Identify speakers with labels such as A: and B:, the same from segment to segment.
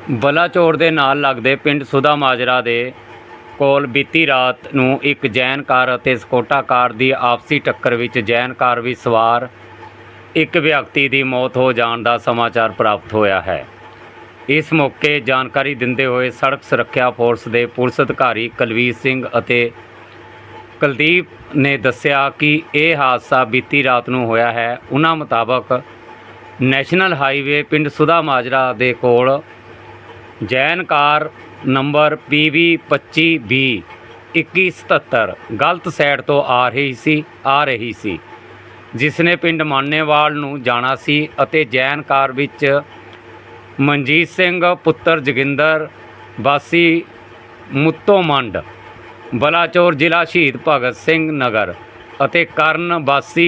A: ਬਲਾਚੌਰ ਦੇ ਨਾਲ ਲੱਗਦੇ ਪਿੰਡ ਸੁਦਾ ਮਾਜਰਾ ਦੇ ਕੋਲ ਬੀਤੀ ਰਾਤ ਨੂੰ ਇੱਕ ਜੈਨ ਕਾਰ ਅਤੇ ਸਕੋਡਾ ਕਾਰ ਦੀ ਆਪਸੀ ਟੱਕਰ ਵਿੱਚ ਜੈਨ ਕਾਰ ਵਿੱਚ ਸਵਾਰ ਇੱਕ ਵਿਅਕਤੀ ਦੀ ਮੌਤ ਹੋ ਜਾਣ ਦਾ ਸਮਾਚਾਰ ਪ੍ਰਾਪਤ ਹੋਇਆ ਹੈ। ਇਸ ਮੌਕੇ ਜਾਣਕਾਰੀ ਦਿੰਦੇ ਹੋਏ ਸੜਕ ਸੁਰੱਖਿਆ ਫੋਰਸ ਦੇ ਪੁਲਿਸ ਅਧਿਕਾਰੀ ਕੁਲਵੀਰ ਸਿੰਘ ਅਤੇ ਕੁਲਦੀਪ ਨੇ ਦੱਸਿਆ ਕਿ ਇਹ ਹਾਦਸਾ ਬੀਤੀ ਰਾਤ ਨੂੰ ਹੋਇਆ ਹੈ। ਉਹਨਾਂ ਮੁਤਾਬਕ ਨੈਸ਼ਨਲ ਹਾਈਵੇ ਪਿੰਡ ਸੁਦਾ ਮਾਜਰਾ ਦੇ ਕੋਲ Jain car number PV 25B 2177 ਗਲਤ ਸਾਈਡ ਤੋਂ ਆ ਰਹੀ ਸੀ ਜਿਸ ਨੇ ਪਿੰਡ ਮਾਨੇਵਾਲ ਨੂੰ ਜਾਣਾ ਸੀ ਅਤੇ ਜੈਨ ਕਾਰ ਵਿੱਚ ਮਨਜੀਤ ਸਿੰਘ ਪੁੱਤਰ ਜੋਗਿੰਦਰ ਵਾਸੀ ਮੁੱਤੋ ਮੰਡ ਬਲਾਚੌਰ ਜ਼ਿਲ੍ਹਾ ਸ਼ਹੀਦ ਭਗਤ ਸਿੰਘ ਨਗਰ ਅਤੇ ਕਰਨ ਵਾਸੀ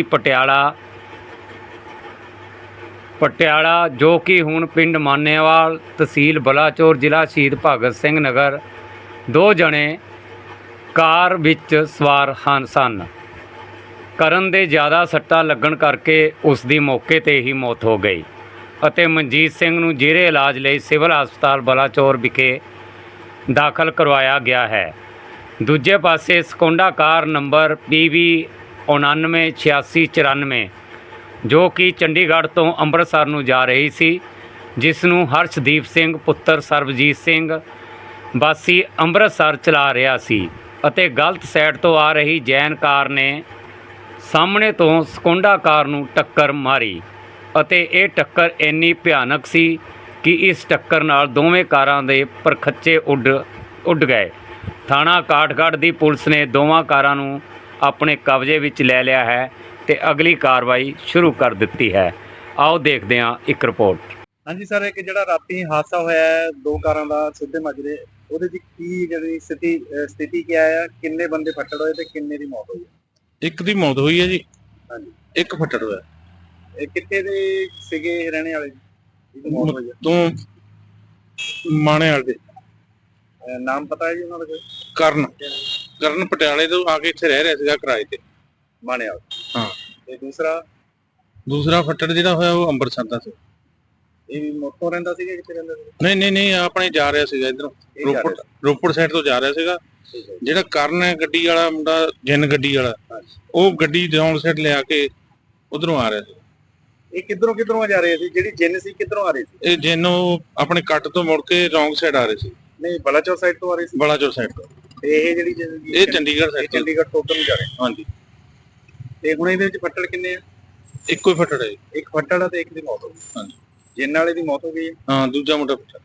A: ਪਟਿਆਲਾ ਜੋ ਕਿ ਹੁਣ ਪਿੰਡ ਮਾਨੇਵਾਲ ਤਹਿਸੀਲ ਬਲਾਚੌਰ ਜ਼ਿਲ੍ਹਾ ਸ਼ਹੀਦ ਭਗਤ ਸਿੰਘ ਨਗਰ ਦੋ ਜਣੇ ਕਾਰ ਵਿੱਚ ਸਵਾਰ ਸਨ। ਕਰਨ ਦੇ ਜ਼ਿਆਦਾ ਸੱਟਾਂ ਲੱਗਣ ਕਰਕੇ ਉਸ ਦੀ ਮੌਕੇ 'ਤੇ ਹੀ ਮੌਤ ਹੋ ਗਈ ਅਤੇ ਮਨਜੀਤ ਸਿੰਘ ਨੂੰ ਜੇਰੇ ਇਲਾਜ ਲਈ ਸਿਵਲ ਹਸਪਤਾਲ ਬਲਾਚੌਰ ਵਿਖੇ ਦਾਖਲ ਕਰਵਾਇਆ ਗਿਆ ਹੈ। ਦੂਜੇ ਪਾਸੇ ਸਕੋਡਾ ਕਾਰ ਨੰਬਰ PV 998694 ਜੋ ਕਿ ਚੰਡੀਗੜ੍ਹ ਤੋਂ ਅੰਮ੍ਰਿਤਸਰ ਨੂੰ ਜਾ ਰਹੀ ਸੀ ਜਿਸ ਨੂੰ ਹਰਸ਼ਦੀਪ ਸਿੰਘ ਪੁੱਤਰ ਸਰਬਜੀਤ ਸਿੰਘ ਵਾਸੀ ਅੰਮ੍ਰਿਤਸਰ ਚਲਾ ਰਿਹਾ ਸੀ ਅਤੇ ਗਲਤ ਸਾਈਡ ਤੋਂ ਆ ਰਹੀ ਜੈਨ ਕਾਰ ਨੇ ਸਾਹਮਣੇ ਤੋਂ ਸਕੋਡਾ ਕਾਰ ਨੂੰ ਟੱਕਰ ਮਾਰੀ ਅਤੇ ਇਹ ਟੱਕਰ ਇੰਨੀ ਭਿਆਨਕ ਸੀ ਕਿ ਇਸ ਟੱਕਰ ਨਾਲ ਦੋਵੇਂ ਕਾਰਾਂ ਦੇ ਪਰਖੱਚੇ ਉੱਡ ਗਏ। ਥਾਣਾ ਕਾਠਗੜ੍ਹ ਦੀ ਪੁਲਿਸ ਨੇ ਦੋਵਾਂ ਕਾਰਾਂ ਨੂੰ ਆਪਣੇ ਕਬਜ਼ੇ ਵਿੱਚ ਲੈ ਲਿਆ ਹੈ ਤੇ ਅਗਲੀ ਕਾਰਵਾਈ ਸ਼ੁਰੂ ਕਰ ਦਿੱਤੀ ਹੈ। ਆਓ ਦੇਖਦੇ ਹਾਂ ਇੱਕ ਰਿਪੋਰਟ।
B: ਹਾਂਜੀ ਸਰ, ਇੱਕ ਜਿਹੜਾ ਰਾਤੀ ਹਾਦਸਾ ਹੋਇਆ ਹੈ ਦੋ ਕਾਰਾਂ ਦਾ ਸਿੱਧੇ ਮਾਜਰੇ, ਉਹਦੇ ਵਿੱਚ ਕੀ ਜਿਹੜੀ ਸਥਿਤੀ ਕੀ ਹੈ? ਕਿੰਨੇ ਬੰਦੇ ਫੱਟੜ ਹੋਏ ਤੇ ਕਿੰਨੇ ਦੀ ਮੌਤ ਹੋਈ?
C: ਇੱਕ ਦੀ ਮੌਤ ਹੋਈ ਹੈ ਜੀ।
B: ਹਾਂਜੀ,
C: ਇੱਕ ਫੱਟੜ ਹੋਇਆ।
B: ਇਹ ਕਿੱਥੇ ਦੇ ਸੀਗੇ ਰਹਿਣੇ ਵਾਲੇ ਮੌਤ ਹੋਈ ਹੈ?
C: ਤੋਂ ਮਾਣੇ ਵਾਲੇ ਦੇ।
B: ਨਾਮ ਪਤਾ ਹੈ ਜੀ ਉਹਨਾਂ ਦਾ?
C: ਕਰਨ ਪਟਿਆਲੇ ਤੋਂ ਆ ਕੇ ਇੱਥੇ ਰਹਿ ਰਿਹਾ ਸੀਗਾ ਕਿਰਾਏ ਤੇ।
B: ਮਾਣੇ ਵਾਲਾ।
C: ਹਾਂ।
B: ਤੇ
C: ਦੂਸਰਾ ਫੱਟੜ ਜਿਹੜਾ ਹੋਇਆ ਉਹ ਅੰਮ੍ਰਿਤਸਰ ਦਾ ਸੀ।
B: ਇਹ ਵੀ ਮੋਟੋ ਰਹਿੰਦਾ ਸੀਗਾ? ਕਿੱਥੇ ਰਹਿੰਦਾ ਸੀ?
C: ਨਹੀਂ ਆਪਣੇ ਜਾ ਰਿਹਾ ਸੀਗਾ ਇਧਰੋਂ ਰੋਪੜ ਸਾਈਡ ਤੋਂ ਜਾ ਰਿਹਾ ਸੀਗਾ। ਜਿਹੜਾ ਕਰਨ ਹੈ ਗੱਡੀ ਵਾਲਾ ਮੁੰਡਾ, ਜਿੰਨ ਗੱਡੀ ਵਾਲਾ, ਉਹ ਗੱਡੀ ਰੌਂਗ ਸਾਈਡ ਲਿਆ ਕੇ ਉਧਰੋਂ ਆ ਰਿਹਾ ਸੀ।
B: ਇਹ ਕਿੱਧਰੋਂ ਜਾ ਰਹੇ ਸੀ? ਜਿਹੜੀ ਜਿੰਨ ਸੀ ਕਿੱਧਰੋਂ ਆ ਰਹੀ ਸੀ?
C: ਇਹ ਜਿੰਨ ਆਪਣੇ ਕੱਟ ਤੋਂ ਮੁੜ ਕੇ ਰੌਂਗ ਸਾਈਡ ਆ ਰਹੇ ਸੀ।
B: ਨਹੀਂ, ਬਲਾਚੌਰ ਸਾਈਡ ਤੋਂ ਆ ਰਹੀ ਸੀ।
C: ਬਲਾਚੌਰ ਸਾਈਡ ਤੋਂ।
B: ਤੇ ਇਹ ਜਿਹੜੀ
C: ਇਹ ਚੰਡੀਗੜ੍ਹ ਸਾਈਡ ਤੋਂ।
B: ਚੰਡੀਗੜ੍ਹ ਤੋਂ ਉੱਧਰ ਨੂੰ ਜਾ ਰਹੇ।
C: ਹਾਂਜੀ।
B: ਤੇ ਹੁਣ ਇਹਦੇ ਵਿੱਚ ਫੱਟੜ ਕਿੰਨੇ ਆ?
C: ਇੱਕੋ ਹੀ ਫੱਟੜ ਹੈ।
B: ਇੱਕ ਫੱਟੜ ਆ ਤੇ ਇੱਕ ਦੀ ਮੌਤ ਹੋ ਗਈ।
C: ਹਾਂਜੀ।
B: ਜਿੰਨ ਵਾਲੇ ਦੀ ਮੌਤ ਹੋ ਗਈ ਹੈ।
C: ਹਾਂ, ਦੂਜਾ ਮੁੰਡਾ ਫੱਟੜ।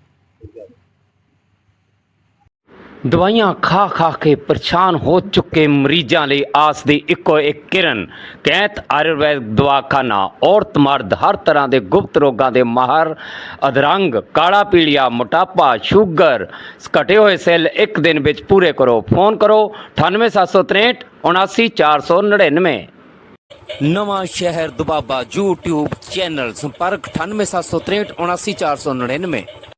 A: ਦਵਾਈਆਂ ਖਾ ਕੇ ਪਰੇਸ਼ਾਨ ਹੋ ਚੁੱਕੇ ਮਰੀਜ਼ਾਂ ਲਈ ਆਸ ਦੀ ਇੱਕੋ ਇੱਕ ਕਿਰਨ ਕੈਂਤ ਆਯੁਰਵੈਦ ਦਵਾਖਾਨਾ। ਔਰਤ ਮਰਦ ਹਰ ਤਰ੍ਹਾਂ ਦੇ ਗੁਪਤ ਰੋਗਾਂ ਦੇ ਮਾਹਰ। ਅਧਰੰਗ, ਕਾਲਾ ਪੀਲੀਆ, ਮੋਟਾਪਾ, ਸ਼ੂਗਰ, ਘਟੇ ਹੋਏ ਸੈੱਲ ਇੱਕ ਦਿਨ ਵਿੱਚ ਪੂਰੇ ਕਰੋ। ਫੋਨ ਕਰੋ 98763 79499। ਨਵਾਂ ਸ਼ਹਿਰ ਦੁਬਾਬਾ YouTube ਚੈਨਲ। ਸੰਪਰਕ 98763 79499।